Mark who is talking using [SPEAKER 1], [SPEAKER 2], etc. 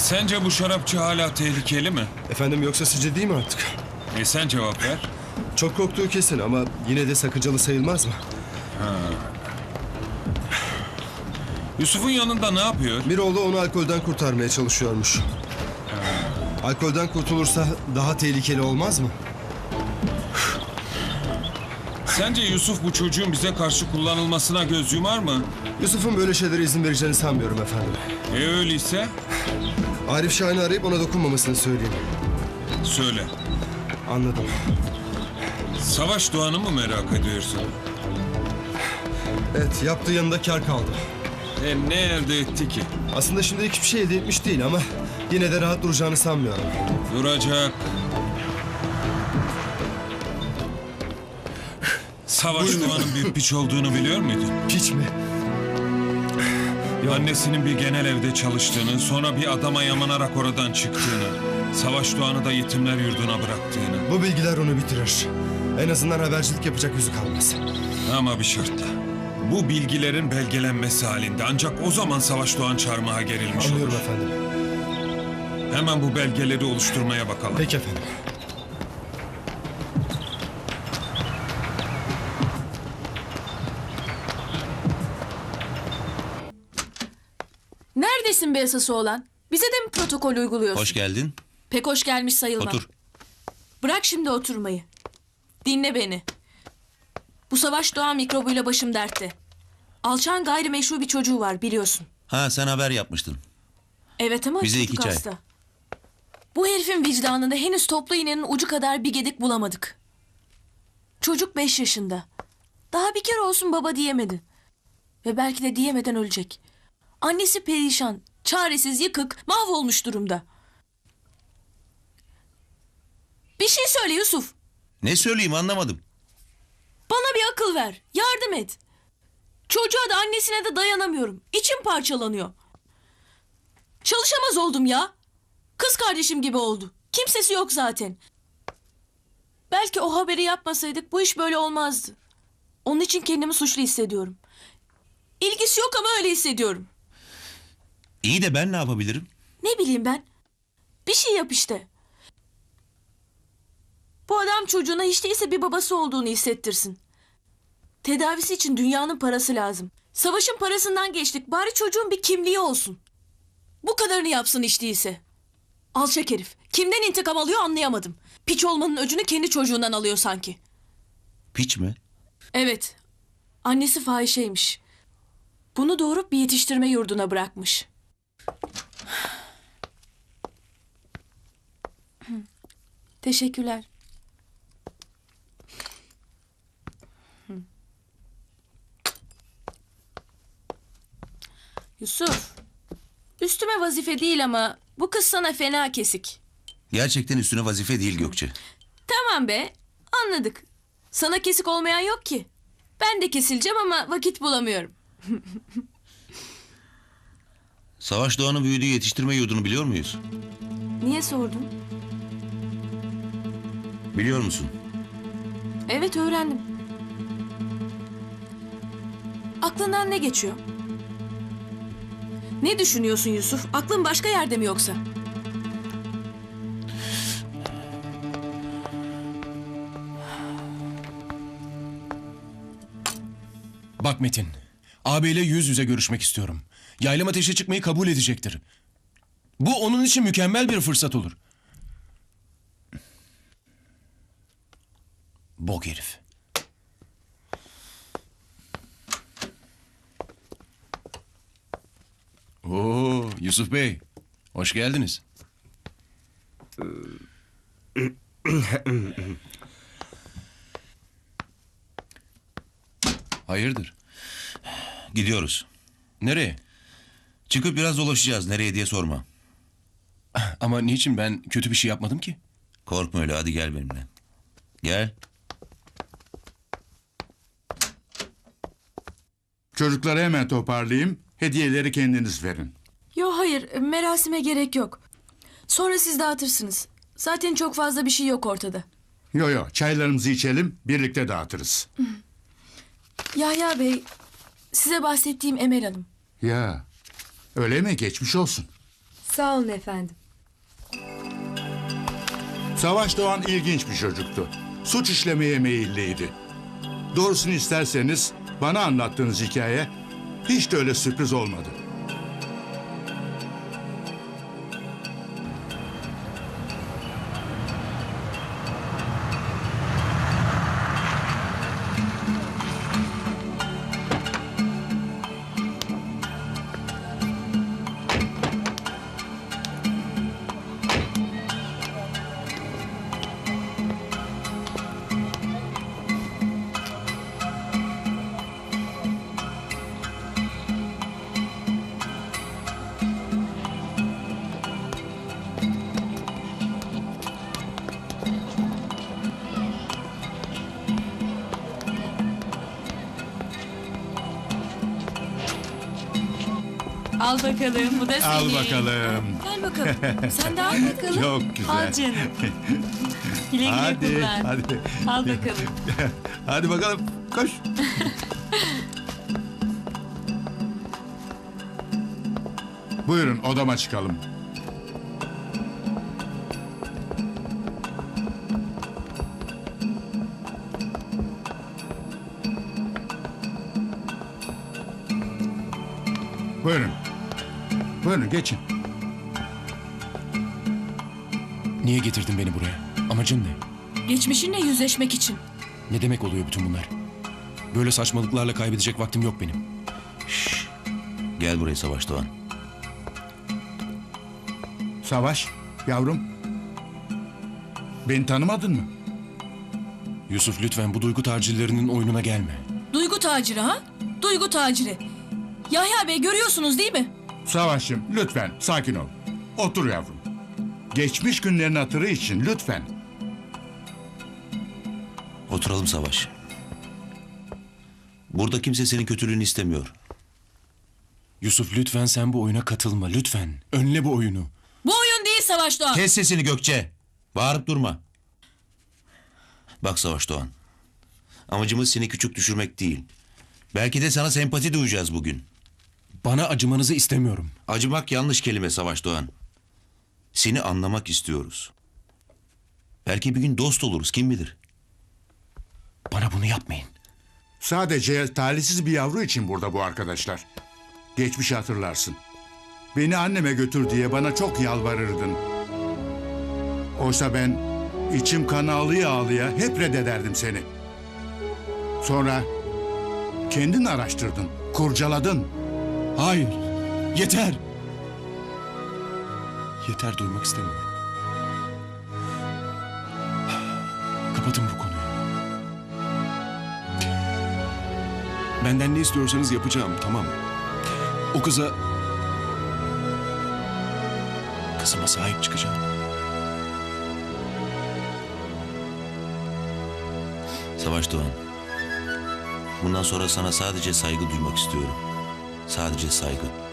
[SPEAKER 1] Sence bu şarapçı hala tehlikeli mi?
[SPEAKER 2] Efendim yoksa sizce değil mi artık?
[SPEAKER 1] Sen cevap ver.
[SPEAKER 2] Çok korktuğu kesin ama yine de sakıncalı sayılmaz mı?
[SPEAKER 1] Yusuf'un yanında ne yapıyor?
[SPEAKER 2] Miroğlu onu alkolden kurtarmaya çalışıyormuş. Alkolden kurtulursa daha tehlikeli olmaz mı?
[SPEAKER 1] Sence Yusuf bu çocuğun bize karşı kullanılmasına göz yumar mı?
[SPEAKER 2] Yusuf'un böyle şeylere izin vereceğini sanmıyorum efendim.
[SPEAKER 1] Öyleyse
[SPEAKER 2] Arif Şahin'i arayıp ona dokunmamasını söyleyeyim.
[SPEAKER 1] söyle.
[SPEAKER 2] Anladım.
[SPEAKER 1] Savaş Doğan'ı mı merak ediyorsun?
[SPEAKER 2] Evet, yaptığı yanında kar kaldı.
[SPEAKER 1] Ne elde etti ki?
[SPEAKER 2] Aslında şimdilik hiçbir şey elde etmiş değil ama yine de rahat duracağını sanmıyorum.
[SPEAKER 1] Duracak. Savaş Doğan'ın büyük piç olduğunu biliyor muydun?
[SPEAKER 2] Piç mi?
[SPEAKER 1] Annesinin bir genel evde çalıştığını, sonra bir adama yamanarak oradan çıktığını, Savaş Doğan'ı da yetimler yurduna bıraktığını.
[SPEAKER 2] Bu bilgiler onu bitirir. En azından habercilik yapacak yüzü kalmaz.
[SPEAKER 1] Ama bir şartla. Bu bilgilerin belgelenmesi halinde ancak o zaman Savaş Doğan çarmıha gerilmiş olur.
[SPEAKER 2] Anlıyorum efendim.
[SPEAKER 1] Hemen bu belgeleri oluşturmaya bakalım.
[SPEAKER 2] Peki efendim.
[SPEAKER 3] Neredesin be esası olan? Bize de mi protokol uyguluyorsun?
[SPEAKER 4] Hoş geldin.
[SPEAKER 3] Pek hoş gelmiş sayılmam.
[SPEAKER 4] Otur.
[SPEAKER 3] Bırak şimdi oturmayı. Dinle beni. Bu Savaş Doğan mikrobuyla başım dertte. Alçağın gayrimeşru bir çocuğu var biliyorsun.
[SPEAKER 4] Ha, sen haber yapmıştın.
[SPEAKER 3] Evet ama
[SPEAKER 4] Bize
[SPEAKER 3] çocuk
[SPEAKER 4] 2 çay.
[SPEAKER 3] hasta. Bu herifin vicdanında henüz toplu iğnenin ucu kadar bir gedik bulamadık. Çocuk 5 yaşında. Daha bir kere olsun baba diyemedi. Ve belki de diyemeden ölecek. Annesi perişan, çaresiz, yıkık, mahvolmuş durumda. Bir şey söyle Yusuf.
[SPEAKER 4] Ne söyleyeyim, anlamadım.
[SPEAKER 3] Bana bir akıl ver. Yardım et. Çocuğa da annesine de dayanamıyorum. İçim parçalanıyor. Çalışamaz oldum ya. Kız kardeşim gibi oldu. Kimsesi yok zaten. Belki o haberi yapmasaydık bu iş böyle olmazdı. Onun için kendimi suçlu hissediyorum. İlgisi yok ama öyle hissediyorum.
[SPEAKER 4] İyi de ben ne yapabilirim?
[SPEAKER 3] Ne bileyim ben. Bir şey yap işte. Bu adam çocuğuna hiç değilse bir babası olduğunu hissettirsin. Tedavisi için dünyanın parası lazım. Savaşın parasından geçtik. Bari çocuğun bir kimliği olsun. Bu kadarını yapsın hiç değilse. Alçak herif. Kimden intikam alıyor anlayamadım. Piç olmanın öcünü kendi çocuğundan alıyor sanki.
[SPEAKER 4] Piç mi?
[SPEAKER 3] Evet. Annesi fahişeymiş. Bunu doğurup bir yetiştirme yurduna bırakmış. Teşekkürler. Yusuf, üstüme vazife değil ama bu kız sana fena kesik.
[SPEAKER 4] Gerçekten üstüne vazife değil Gökçe.
[SPEAKER 3] Tamam be, anladık. Sana kesik olmayan yok ki. Ben de kesileceğim ama vakit bulamıyorum.
[SPEAKER 4] Savaş Doğan'ın büyüdüğü yetiştirme yurdunu biliyor muyuz?
[SPEAKER 3] Niye sordun?
[SPEAKER 4] Biliyor musun?
[SPEAKER 3] Evet öğrendim. Aklından ne geçiyor? Ne düşünüyorsun Yusuf? Aklın başka yerde mi yoksa?
[SPEAKER 5] Bak Metin, ağabeyle yüz yüze görüşmek istiyorum. Yaylım ateşe çıkmayı kabul edecektir. Bu onun için mükemmel bir fırsat olur. Bok herif. Oo, Yusuf Bey, hoş geldiniz. Hayırdır?
[SPEAKER 4] Gidiyoruz.
[SPEAKER 5] Nereye?
[SPEAKER 4] Çıkıp biraz dolaşacağız. Nereye diye sorma.
[SPEAKER 5] Ama niçin, ben kötü bir şey yapmadım ki?
[SPEAKER 4] Korkma öyle, hadi gel benimle. Gel.
[SPEAKER 6] Çocukları hemen toparlayayım. Hediyeleri kendiniz verin.
[SPEAKER 3] Yo hayır, merasime gerek yok. Sonra siz dağıtırsınız. Zaten çok fazla bir şey yok ortada.
[SPEAKER 6] Yo çaylarımızı içelim, birlikte dağıtırız.
[SPEAKER 3] Yahya Bey, size bahsettiğim Emel Hanım.
[SPEAKER 6] Ya öyle mi, geçmiş olsun.
[SPEAKER 7] Sağ olun efendim.
[SPEAKER 6] Savaş Doğan ilginç bir çocuktu. Suç işlemeye meyilliydi. Doğrusunu isterseniz bana anlattığınız hikaye hiç de öyle sürpriz olmadı.
[SPEAKER 3] Al bakalım, bu da senin.
[SPEAKER 6] Al bakalım.
[SPEAKER 3] Gel bakalım. Sen de al bakalım.
[SPEAKER 6] Çok güzel.
[SPEAKER 3] Al canım. Güle güle
[SPEAKER 6] Hadi,
[SPEAKER 3] kullan.
[SPEAKER 6] hadi.
[SPEAKER 3] Al bakalım.
[SPEAKER 6] Hadi bakalım, koş. Buyurun, odama çıkalım. Buyurun. Buyurun, geçin.
[SPEAKER 5] Niye getirdin beni buraya? Amacın ne?
[SPEAKER 3] Geçmişinle yüzleşmek için.
[SPEAKER 5] Ne demek oluyor bütün bunlar? Böyle saçmalıklarla kaybedecek vaktim yok benim.
[SPEAKER 4] Gel buraya Savaş Doğan.
[SPEAKER 6] Savaş, yavrum. Beni tanımadın mı?
[SPEAKER 5] Yusuf lütfen bu duygu tacirlerinin oyununa gelme.
[SPEAKER 3] Duygu taciri ha? Duygu taciri. Yahya Bey görüyorsunuz değil mi?
[SPEAKER 6] Savaş'ım, lütfen sakin ol. Otur yavrum. Geçmiş günlerin hatırı için lütfen.
[SPEAKER 4] Oturalım Savaş. Burada kimse senin kötülüğünü istemiyor.
[SPEAKER 5] Yusuf lütfen sen bu oyuna katılma lütfen. Önle bu oyunu.
[SPEAKER 3] Bu oyun değil Savaş Doğan.
[SPEAKER 4] Kes sesini Gökçe. Bağırıp durma. Bak Savaş Doğan. Amacımız seni küçük düşürmek değil. Belki de sana sempati duyacağız bugün.
[SPEAKER 5] Bana acımanızı istemiyorum.
[SPEAKER 4] Acımak yanlış kelime Savaş Doğan. Seni anlamak istiyoruz. Belki bir gün dost oluruz, kim bilir.
[SPEAKER 5] Bana bunu yapmayın.
[SPEAKER 6] Sadece talihsiz bir yavru için burada bu arkadaşlar. Geçmişi hatırlarsın. Beni anneme götür diye bana çok yalvarırdın. Oysa ben içim kan ağlıya ağlıya hep reddederdim seni. Sonra kendin araştırdın, kurcaladın.
[SPEAKER 5] Hayır. Yeter. Yeter duymak istemiyorum. Kapatın bu konuyu. Benden ne istiyorsanız yapacağım, tamam. O kızıma sahip çıkacağım.
[SPEAKER 4] Savaş Doğan. Bundan sonra sana sadece saygı duymak istiyorum. Sadece saygı.